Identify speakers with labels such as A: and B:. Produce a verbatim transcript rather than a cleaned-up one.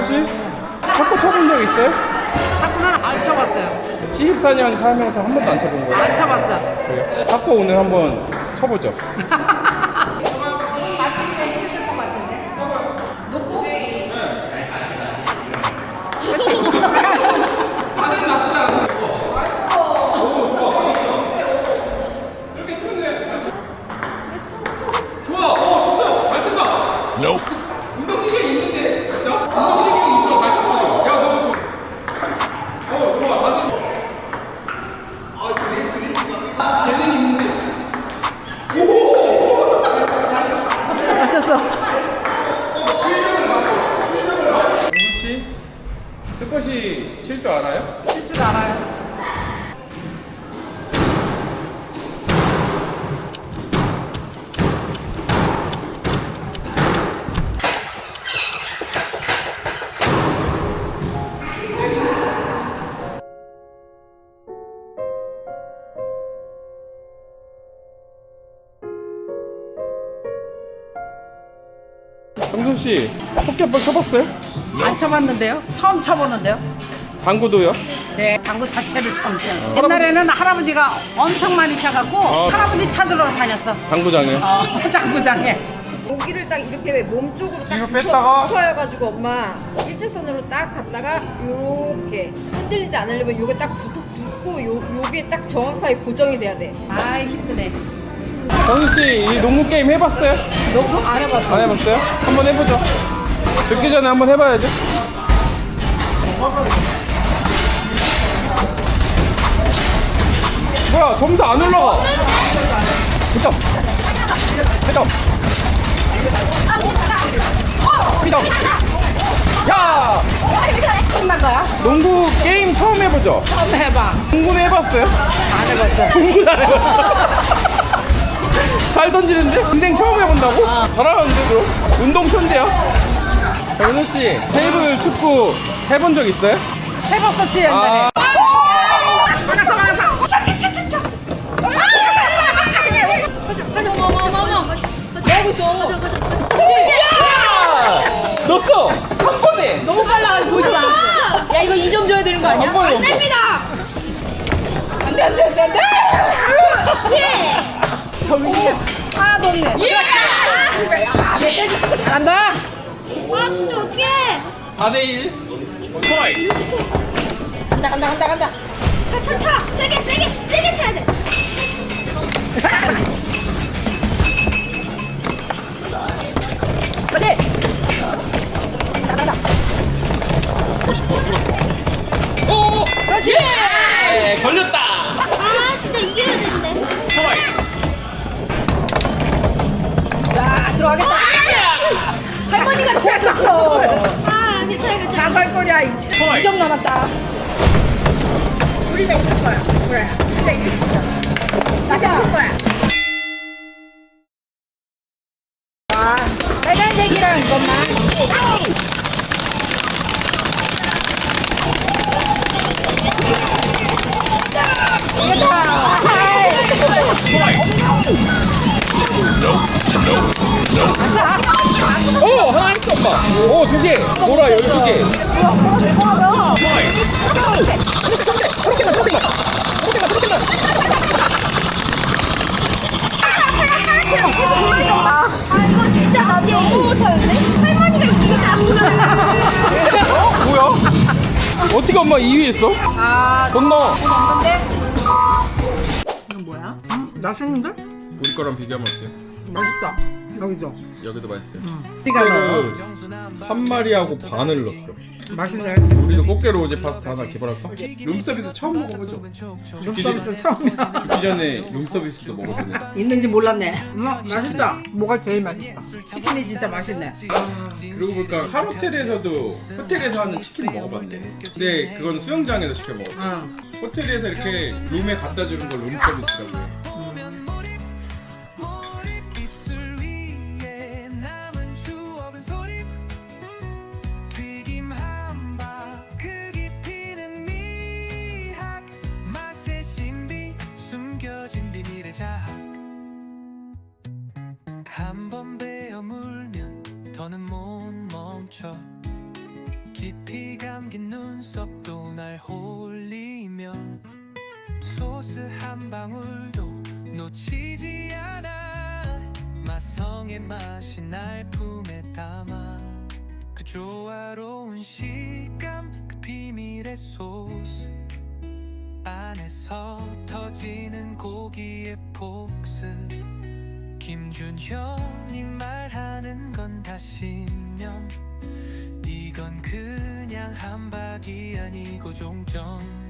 A: 정수씨? 탁구 쳐본 적 있어요?
B: 탁구는 안 쳐봤어요.
A: 십사 년 살면서 한 번도 안 쳐본 거예요?
B: 안 쳐봤어.
A: 그래요? 탁구 오늘 한번 쳐보죠.
B: 맞추기가 힘들 것 같은데. 놓고?
A: 이렇게 치면 돼. 좋아. 어, 쳤어요. 잘 친다.
C: Nope.
A: 운동신경이 있는데. 야, 운동신경이 있어. 잘 쳤어. 야, 너무 좋아. 어, 좋아. 잘 쳤어. 아, 그래? 그래? 재능이 있는데. 오!
B: 맞췄어.
A: 정수씨, 스쿼시 칠 줄 알아요?
B: 칠 줄 알아요.
A: 정수씨, 포켓볼 쳐봤어요?
B: 안 쳐봤는데요? 처음 쳐보는데요?
A: 당구도요?
B: 네, 당구 자체를 처음 쳐요. 옛날에는 할아버지가 엄청 많이 쳐갖고
A: 아.
B: 할아버지 찾으러 다녔어.
A: 당구장에.
B: 어, 당구장에.
D: 고기를 딱 이렇게 왜 몸쪽으로 딱
A: 뒤로
D: 붙여,
A: 뺐다가?
D: 붙여가지고 엄마 일직선으로 딱 갔다가 요렇게 흔들리지 않으려면 요게 딱 붙어 붙고 요, 요게 딱 정확하게 고정이 돼야 돼.
B: 아 힘드네.
A: 정수씨, 이 농구 게임 해봤어요?
B: 너무 안 해봤어.
A: 안 해봤어요? 한번 해보죠. 듣기 전에 한번 해봐야죠. 뭐야, 점수 안 올라가. 점 점 점 야!
B: 끝난 거야?
A: 농구 게임 처음 해보죠?
B: 처음 해봐.
A: 농구는 해봤어요?
B: 안 해봤어.
A: 농구는 안 해봤어. 잘 던지는데? 인생 처음 해본다고? 잘하는데 그럼? 운동 천재야. 정수씨, 테이블 축구 해본 적 있어요?
B: 해봤었지 옛날에.
A: 아,
B: 막았어 막았어.
A: 야! 넣었어! 한 번에!
D: 너무 빨라가지고 보이지 않았어. 야 이거 이 점 줘야 되는 거 아니야?
A: 한 번에 넣었어.
B: 안돼 안돼 안돼 안돼.
D: 예! 정신 하나도 없네. 예!
B: 아, 내 때기 축구 잘한다.
D: 아 진짜 어떡해.
A: 사 대 일. 스트라이크.
B: 간다 간다 간다 간다.
D: 차, 차! 세게 세게 세게 차야 돼.
B: 그렇지. 간다 간다.
A: 오!
B: 그렇지.
A: 예! 걸렸다!
D: 아 진짜 이겨야 되는데.
A: 스트라이크.
B: 자 들어가겠다.
D: 할머니가
B: 됐어.
D: 아 괜찮아 괜찮아.
B: 자살거리야. 이 점 남았다. 우리가 이길 거야. 그래. 우리가 이길 거야. 가자. 이길 거야. 아, 빨간색이랑 이것만. 이겼다.
A: 오! 하나 했어, 엄마! 오, 두 개! 보라, 열두 개!
D: 아 이거 진짜 나도 너무 못하는데? 할머니가 이게 다
A: 어? 뭐야? 어떻게 엄마 이 위 했어?
B: 아,
A: 건너!
B: 없는데? 이건 뭐야? 음, 맛있는데?
A: 우리 거랑 비교하면 어때요?
B: 맛있다. 여기도.
A: 여기도 맛있어요.
B: 네가 넣어.
A: 한 마리하고 반을 넣었어.
B: 맛있네.
A: 우리도 꽃게로 오제 파스타 하나 개발할까? 룸서비스 처음 먹어보죠.
B: 룸서비스 처음이야.
A: 죽기 전에 룸서비스도 먹어보네.
B: 있는지 몰랐네. 음, 맛있다. 뭐가 제일 맛있다? 치킨이 진짜 맛있네.
A: 아, 그러고 보니까 한 호텔에서도 호텔에서 하는 치킨 먹어봤네. 근데 그건 수영장에서 시켜 먹었어.
B: 응.
A: 호텔에서 이렇게 룸에 갖다 주는 걸 룸서비스라고 해.
E: 한번 베어 물면 더는 못 멈춰.
C: 깊이 감긴 눈썹도 날 홀리며 소스 한 방울도 놓치지 않아. 마성의 맛이 날 품에 담아. 그 조화로운 식감, 그 비밀의 소스 안에서 터지는 고기의 폭스. 김준현이 말하는 건 다 신념. 이건 그냥 한박이 아니고 종점.